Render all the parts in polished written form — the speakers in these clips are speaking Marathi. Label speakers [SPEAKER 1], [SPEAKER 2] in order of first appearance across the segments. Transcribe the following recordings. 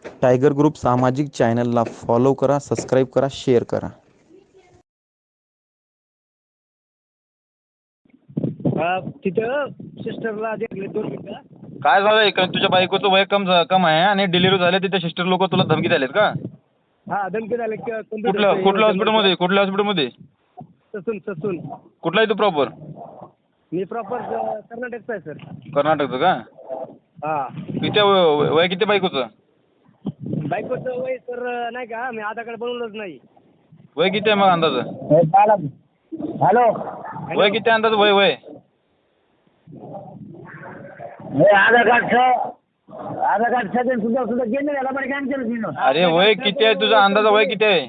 [SPEAKER 1] टायगर ग्रुप सामाजिक चॅनलला फॉलो करा, सबस्क्राईब करा, शेअर करा.
[SPEAKER 2] तिथं सिस्टरला देखले 2 मिनिटं.
[SPEAKER 3] काय झालंय का तुझ्या बायकोचं वय कम आहे आणि डिलिव्हरी झाली तिथे सिस्टर लोक तुला धमकी द्यालेत का?
[SPEAKER 2] हा धमकी झाले
[SPEAKER 3] कुठल्या हॉस्पिटलमध्ये
[SPEAKER 2] ससून.
[SPEAKER 3] कुठला आहे तू प्रॉपर?
[SPEAKER 2] मी प्रॉपर कर्नाटकचा आहे सर.
[SPEAKER 3] कर्नाटकचं का?
[SPEAKER 2] हा
[SPEAKER 3] किती वय किती बायकोचं?
[SPEAKER 2] बायकोचं वय सर नाही का मी आधार कार्ड बनवलंच नाही.
[SPEAKER 3] वय किती आहे मग अंदाज?
[SPEAKER 2] हॅलो
[SPEAKER 3] वय किती आहे अंदाज? वय
[SPEAKER 2] आधार कार्ड सुद्धा गेले याला पण कॅन्सल केलं.
[SPEAKER 3] अरे वय किती आहे तुझा अंदाज? वय किती आहे?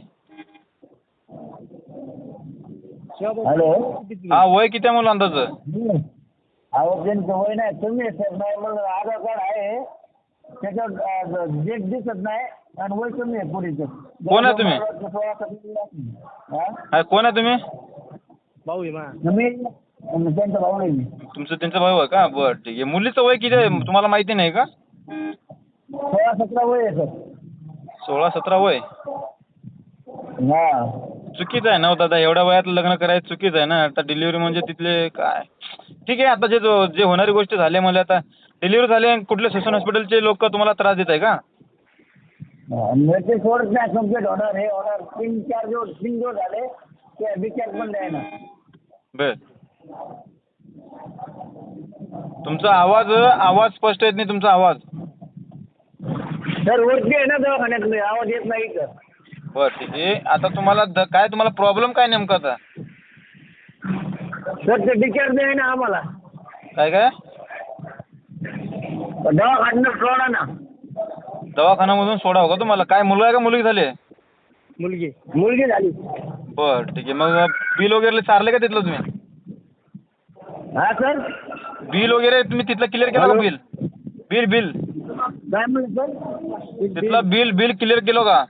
[SPEAKER 2] हॅलो
[SPEAKER 3] हा वय किती आहे मला अंदाज?
[SPEAKER 2] अहो त्यांचं वय नाही तुम्ही आधार कार्ड आहे त्याच्यावर डेट दिसत नाही आणि वय कमी आहे पुढेचं.
[SPEAKER 3] कोण आहे तुम्ही? कोण आहे तुम्ही?
[SPEAKER 2] भाऊ आहे त्यांचा भाऊ नाही मी.
[SPEAKER 3] त्यांचा भाऊ आहे का? बरं ठीक आहे. मुलीचं वय किती आहे तुम्हाला माहिती नाही का?
[SPEAKER 2] 16-17 वय आहे सर.
[SPEAKER 3] 16-17 वय
[SPEAKER 2] हा
[SPEAKER 3] चुकीचं आहे ना हो दादा. एवढ्या वयात लग्न करायचं चुकीचं आहे ना. आता डिलिव्हरी म्हणजे तिथले काय ठीक आहे. आता जे होणारी गोष्ट झाली मला आता डिलिव्हरी झाली आणि कुठले ससून हॉस्पिटलचे लोक तुम्हाला त्रास देत आहे का?
[SPEAKER 2] ते सोडत नाही कम्प्लीट होणार हे होणार 3-4 दिवस झाले ते डिस्चार्ज पण द्याय ना.
[SPEAKER 3] बर तुमचा आवाज स्पष्ट येत नाही तुमचा आवाज.
[SPEAKER 2] सर वरती आहे ना दवाखान्यात आवाज येत नाही तर.
[SPEAKER 3] बरं ठीक आहे. आता तुम्हाला प्रॉब्लेम काय नेमका आता?
[SPEAKER 2] सर ते डिस्चार्ज द्याय ना आम्हाला.
[SPEAKER 3] काय
[SPEAKER 2] दवाखान्यात सोडा ना.
[SPEAKER 3] दवाखान्यामधून सोडावं का तुम्हाला? काय मुलगा आहे का मुलगी झाली?
[SPEAKER 2] मुलगी झाली.
[SPEAKER 3] बरं ठीक आहे. मग बिल वगैरे चारले का तिथलं तुम्ही?
[SPEAKER 2] हा सर
[SPEAKER 3] बिल वगैरे तुम्ही तिथलं क्लिअर केलं का? बिल
[SPEAKER 2] काय म्हणलं सर?
[SPEAKER 3] तिथलं बिल क्लिअर केलं का?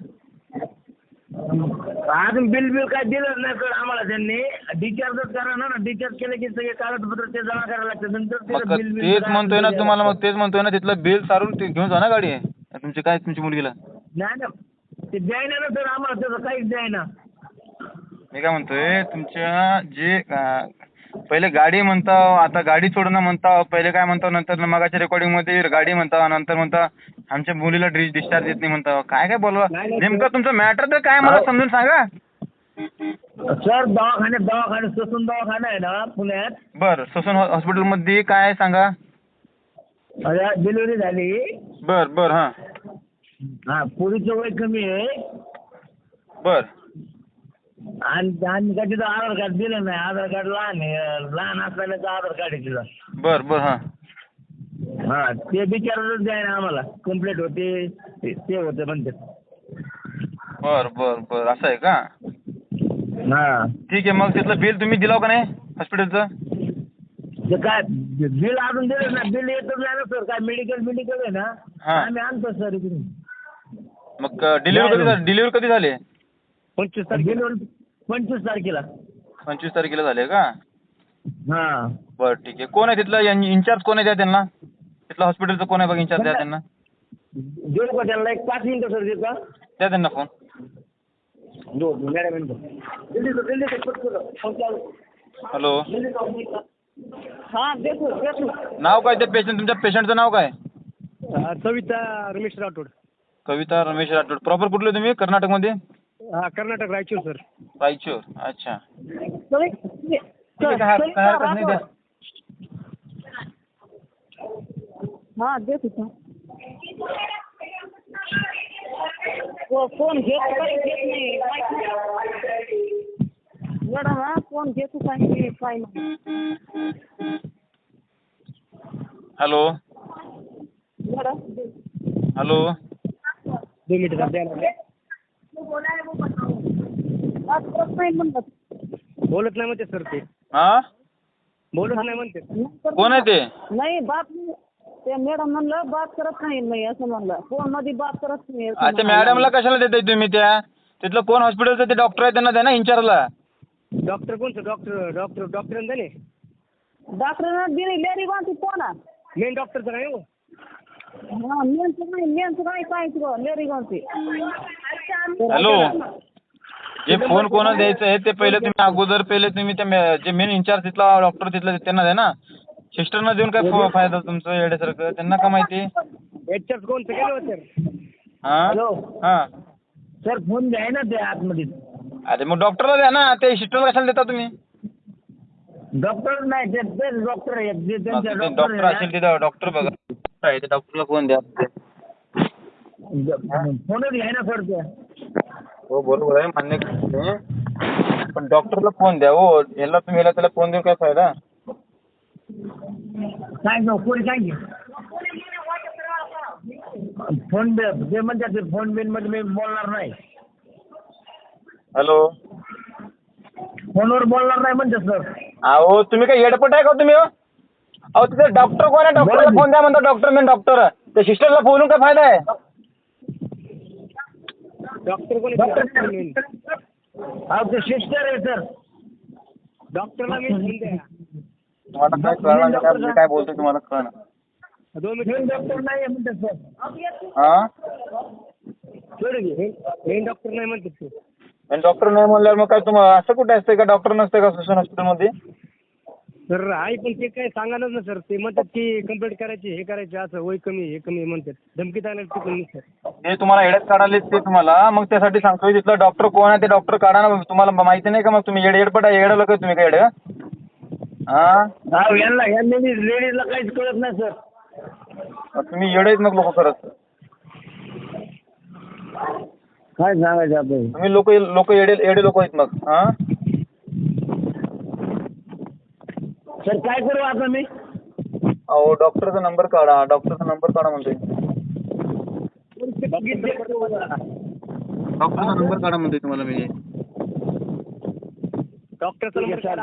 [SPEAKER 2] अजून बिल काय दिलंच नाही सर आम्हाला. त्यांनी डिस्चार्जच करा ना. डिस्चार्ज केलं की सगळे कागदपत्र ते जमा करायला लागतं नंतर
[SPEAKER 3] मग तेच म्हणतोय ना तुम्हाला. मग तेच म्हणतोय ना तिथलं बिल सारून ते घेऊन जा ना गाडी तुमची मुलगीला.
[SPEAKER 2] नाही ना ते द्यायना ना सर आम्हाला त्याचं काहीच द्यायना.
[SPEAKER 3] मी काय म्हणतोय तुमच्या जे पहिले गाडी म्हणता आता गाडी सोडणं म्हणता पहिले काय म्हणता नंतर मगाच्या रेकॉर्डिंगमध्ये गाडी म्हणता नंतर म्हणता आमच्या मुलीला डिस्चार्ज देत नाही म्हणता. काय बोलवा नेमकं तुमचं मॅटर तर काय मला समजून सांगा.
[SPEAKER 2] सर दवाखान्यात ससून दवाखाना आहे ना पुण्यात.
[SPEAKER 3] बरं ससून हॉस्पिटलमध्ये काय आहे सांगा.
[SPEAKER 2] डिलिव्हरी झाली.
[SPEAKER 3] बरं
[SPEAKER 2] हा पुरीचं वय कमी आहे.
[SPEAKER 3] बरं
[SPEAKER 2] आणि काय तिथं आधार कार्ड दिलं नाही. आधार कार्ड लहान असल्याचं आधार कार्ड आहे तिथं.
[SPEAKER 3] बरं
[SPEAKER 2] हा ते बिचारच द्याय ना आम्हाला. कंप्लेंट होते ते होते म्हणते.
[SPEAKER 3] बरं असं आहे का?
[SPEAKER 2] हा
[SPEAKER 3] ठीक आहे. मग तिथलं बिल तुम्ही दिलाव का नाही हॉस्पिटलचं?
[SPEAKER 2] ते काय बिल अजून दिलं ना. बिल येतच नाही ना सर. काय मेडिकल आहे ना आम्ही आणतो सर इकडून.
[SPEAKER 3] मग डिलिव्हरी कधी झाली?
[SPEAKER 2] 25 तारखेला.
[SPEAKER 3] 25 तारखेला झाली का?
[SPEAKER 2] हा
[SPEAKER 3] बरं ठीक आहे. कोण आहे तिथला इन्चार्ज कोण आहे द्या त्यांना? तिथला हॉस्पिटलचं कोण आहे बघ इन्चार्ज द्या त्यांना.
[SPEAKER 2] देऊ का त्यांना 1-5 मिनिटं सर देता?
[SPEAKER 3] द्या त्यांना फोन. हॅलो
[SPEAKER 2] हा देतो.
[SPEAKER 3] नाव काय त्या तुमच्या पेशंटचं नाव काय?
[SPEAKER 2] कविता रमेश राठोड.
[SPEAKER 3] कविता रमेश राठोड. प्रॉपर कुठले तुम्ही? कर्नाटकमध्ये?
[SPEAKER 2] हा कर्नाटक रायचूर सर.
[SPEAKER 3] रायचूर अच्छा.
[SPEAKER 4] हा देतो सर. फोन घेत नाही मॅडम. हा फोन घेतो सांगितले काय नाही.
[SPEAKER 3] हॅलो हॅलो
[SPEAKER 2] 2 मिनिटं द्या. बोलत नाही म्हणते सर ते.
[SPEAKER 3] हा
[SPEAKER 2] बोलत नाही म्हणते.
[SPEAKER 3] कोण आहे ते?
[SPEAKER 4] नाही बात ते मॅडम म्हणलं बात करत नाही असं म्हणलं. फोन मध्ये बात करत नाही.
[SPEAKER 3] अच्छा मॅडमला कशाला देताय तुम्ही त्या? तिथलं कोण हॉस्पिटलचं ते डॉक्टर आहे त्यांना द्या ना इन्चार्जला.
[SPEAKER 2] डॉक्टर कोणतं? डॉक्टर
[SPEAKER 4] डॉक्टरना दिली लेडी कोणती कोण?
[SPEAKER 2] मेन डॉक्टरचं नाही हो.
[SPEAKER 4] मेनचं नाही सांगितलं गं, लेडी गावची.
[SPEAKER 3] हॅलो, जे फोन कोणाला द्यायचं आहे ते पहिले तुम्ही अगोदर तुम्ही त्या जे मेन इन्चार्ज तिथला डॉक्टर तिथला त्यांना द्या ना. सिस्टरना देऊन काय फायदा तुमचं येड्यासारखं, त्यांना का माहिती. हा
[SPEAKER 2] हॅलो
[SPEAKER 3] हा.
[SPEAKER 2] सर फोन द्याय ना ते आतमध्ये.
[SPEAKER 3] अरे मग डॉक्टरला द्या ना, ते सिस्टरला कशाला देता तुम्ही.
[SPEAKER 2] डॉक्टर नाही ते डॉक्टर आहेत जे त्यांचे
[SPEAKER 3] डॉक्टर असेल तिथं डॉक्टर बघा आहे ते डॉक्टरला फोन द्या.
[SPEAKER 2] फोनच घ्याय ना सर ते.
[SPEAKER 3] हो बरोबर आहे, मान्य करतो, पण डॉक्टरला फोन द्या हो. याला तुम्ही त्याला फोन देऊन काय फायदा.
[SPEAKER 2] सांग ना कोणी सांग फोन ते म्हणतात ते फोन बिन मध्ये मी बोलणार नाही.
[SPEAKER 3] हॅलो,
[SPEAKER 2] फोनवर बोलणार नाही म्हणतात सर.
[SPEAKER 3] अहो तुम्ही काय येडपट आहे का तुम्ही. अहो तिथे डॉक्टर कोण आहे, डॉक्टरला फोन द्या म्हणतो. डॉक्टर मेन डॉक्टर, त्या सिस्टरला बोलून काय फायदा आहे.
[SPEAKER 2] डॉक्टर कोणी ते सिस्टर आहे सर. डॉक्टरला मी फोन द्या.
[SPEAKER 3] तुम्हाला काय कळणार नाही का, मी काय बोलतो तुम्हाला कळणार.
[SPEAKER 2] मेन डॉक्टर नाही आहे म्हणतात सर.
[SPEAKER 3] हा
[SPEAKER 2] मेन डॉक्टर नाही म्हणतात सर.
[SPEAKER 3] आणि डॉक्टर नाही म्हणल्यावर मग काय तुम्हाला असं कुठे असतं का, डॉक्टर नसते का सुशांत हॉस्पिटलमध्ये.
[SPEAKER 2] सर आहे पण ते काय सांगायलाच ना सर. ते म्हणतात की कंप्लीट करायची, हे करायचे, असं वय कमी हे कमी म्हणतात. धमकी द्यायला तिकडून सर.
[SPEAKER 3] ते तुम्हाला येड्यात काढाले ते तुम्हाला, मग त्यासाठी सांगतोय तिथलं डॉक्टर कोण आहे ते डॉक्टर काढा ना. तुम्हाला माहिती नाही का मग तुम्ही येडपट आहे, येडं लोक तुम्ही काय येडं. हा
[SPEAKER 2] यांना लेडीजला काहीच कळत नाही सर.
[SPEAKER 3] तुम्ही येडेच मग लोक करत.
[SPEAKER 2] काय सांगायचं आपण.
[SPEAKER 3] तुम्ही लोक येडे लोक आहेत मग. हा
[SPEAKER 2] सर काय करू आता मी.
[SPEAKER 3] अहो डॉक्टरचा नंबर काढा, डॉक्टरचा नंबर काढा म्हणतोय. डॉक्टरचा नंबर काढा म्हणतोय तुम्हाला मी.
[SPEAKER 2] डॉक्टरचा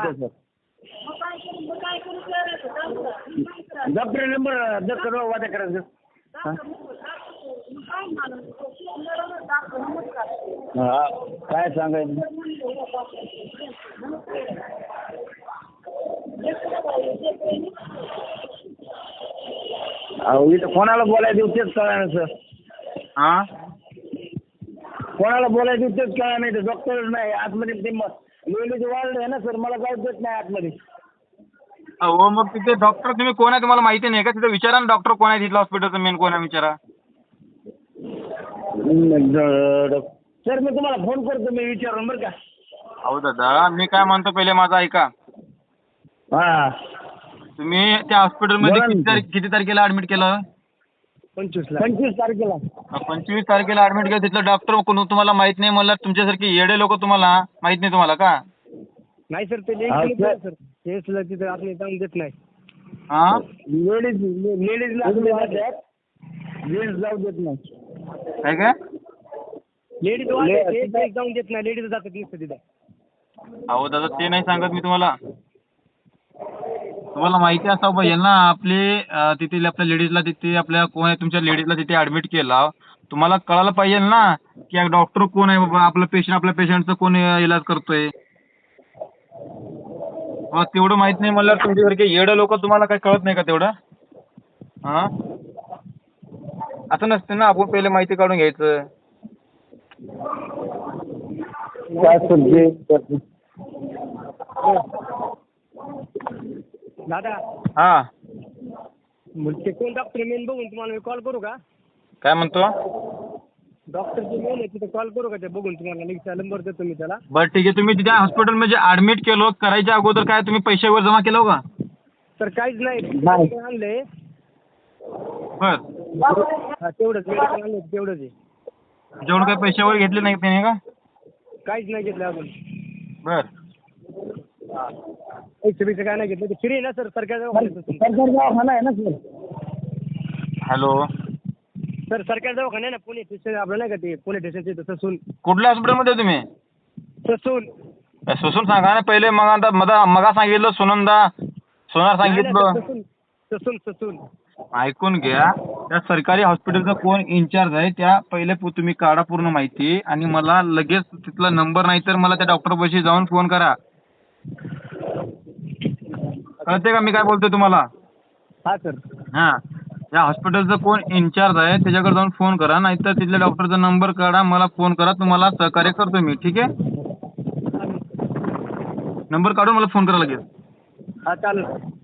[SPEAKER 2] डॉक्टर नंबर डॉक्टर वाटा करायचं. हा काय सांगायचं. अहो इथं कोणाला बोलायचं तेच कळा ना सर.
[SPEAKER 3] हा
[SPEAKER 2] कोणाला बोलायचं तेच कळा नाही. तर डॉक्टर नाही आतमध्ये ते लेडीज वाढलं आहे ना सर. मला जाऊ देत नाही आतमध्ये.
[SPEAKER 3] हो मग तिथे डॉक्टर तुम्ही कोण आहे तुम्हाला माहिती नाही का. तिथे विचारा ना डॉक्टर कोण आहे तिथलं हॉस्पिटलचं मेन कोण आहे विचारा.
[SPEAKER 2] सर मी तुम्हाला फोन करतो, मी विचारून बरं का.
[SPEAKER 3] अहो दादा मी काय म्हणतो पहिले माझं ऐका.
[SPEAKER 2] हा
[SPEAKER 3] तुम्ही त्या हॉस्पिटलमध्ये किती तारखेला ऍडमिट केलं.
[SPEAKER 2] 25 तारखेला.
[SPEAKER 3] 25 तारखेला ऍडमिट केलं. तिथलं डॉक्टर कोण तुम्हाला माहित नाही म्हणलं. तुमच्यासारखे येडे लोक तुम्हाला माहित नाही तुम्हाला का.
[SPEAKER 2] नाही सर ते सर केसला तिथे आपले जाऊन देत नाही.
[SPEAKER 3] हा
[SPEAKER 2] लेडीजला जेंट्स जाऊ देत नाही.
[SPEAKER 3] काय काय
[SPEAKER 2] लेडीज जाऊन देत नाही. लेडीज जातात नुसतं तिथे.
[SPEAKER 3] अहो दादा ते नाही सांगत मी तुम्हाला. तुम्हाला माहिती असावं पाहिजे ना आपले तिथे आपल्या लेडीजला तिथे आपल्या कोण आहे तुमच्या लेडीजला तिथे ऍडमिट केला. तुम्हाला कळायला पाहिजे ना की डॉक्टर कोण आहे बाबा. आपल्या पेशंटचं कोण इलाज करतोय. तेवढं माहित नाही म्हणल्यावर तुमच्यासारखे येडं लोक तुम्हाला काय कळत नाही का तेवढं. हा असं नसतं ना. आपण पहिले माहिती काढून घ्यायचं.
[SPEAKER 2] दादा
[SPEAKER 3] हा
[SPEAKER 2] ते कोण डॉक्टर मेन बघून तुम्हाला मी कॉल करू का.
[SPEAKER 3] काय म्हणतो.
[SPEAKER 2] डॉक्टर जे मेन आहे तिथे कॉल करू का ते बघून तुम्हाला लिंकचा नंबर देतो मी त्याला.
[SPEAKER 3] बरं ठीक आहे. तुम्ही तिथे हॉस्पिटलमध्ये ऍडमिट केलो करायच्या अगोदर काय तुम्ही पैसे वगैरे जमा केलं का.
[SPEAKER 2] सर काहीच नाही आणलंय.
[SPEAKER 3] बर
[SPEAKER 2] तेवढंच मेडिकल आणलं तेवढंच आहे.
[SPEAKER 3] जेवढं काही पैसे वगैरे घेतले नाही त्याने का.
[SPEAKER 2] काहीच नाही घेतलं अजून.
[SPEAKER 3] बर
[SPEAKER 2] पैसे काय नाही घेतलं. ते फ्री आहे ना सर. सरकारी दवाखाना आहे ना सर.
[SPEAKER 3] हॅलो
[SPEAKER 2] सर सरकारी दवाखाना आहे ना पुणे स्टेशन आपलं नाही का ते पुणे स्टेशनचे ससून.
[SPEAKER 3] कुठल्या हॉस्पिटलमध्ये तुम्ही.
[SPEAKER 2] ससून.
[SPEAKER 3] सुसून सांगा ना पहिले. मग आता मगा सांगितलं सोनार सांगितलं.
[SPEAKER 2] ससून ससून
[SPEAKER 3] ऐकून घ्या. त्या सरकारी हॉस्पिटलचा कोण इन्चार्ज आहे त्या पहिले तुम्ही काढा पूर्ण माहिती आणि मला लगेच तिथला नंबर नाही तर मला त्या डॉक्टरपाशी जाऊन फोन करा. कळते का मी काय बोलतोय तुम्हाला.
[SPEAKER 2] हा सर.
[SPEAKER 3] हा या हॉस्पिटलचा कोण इन्चार्ज आहे त्याच्याकडे जाऊन फोन करा, नाहीतर तिथल्या डॉक्टरचा नंबर काढा, मला फोन करा, तुम्हाला सहकार्य करतो मी. ठीक आहे, नंबर काढून मला फोन करा लगेच.
[SPEAKER 2] हा चालेल.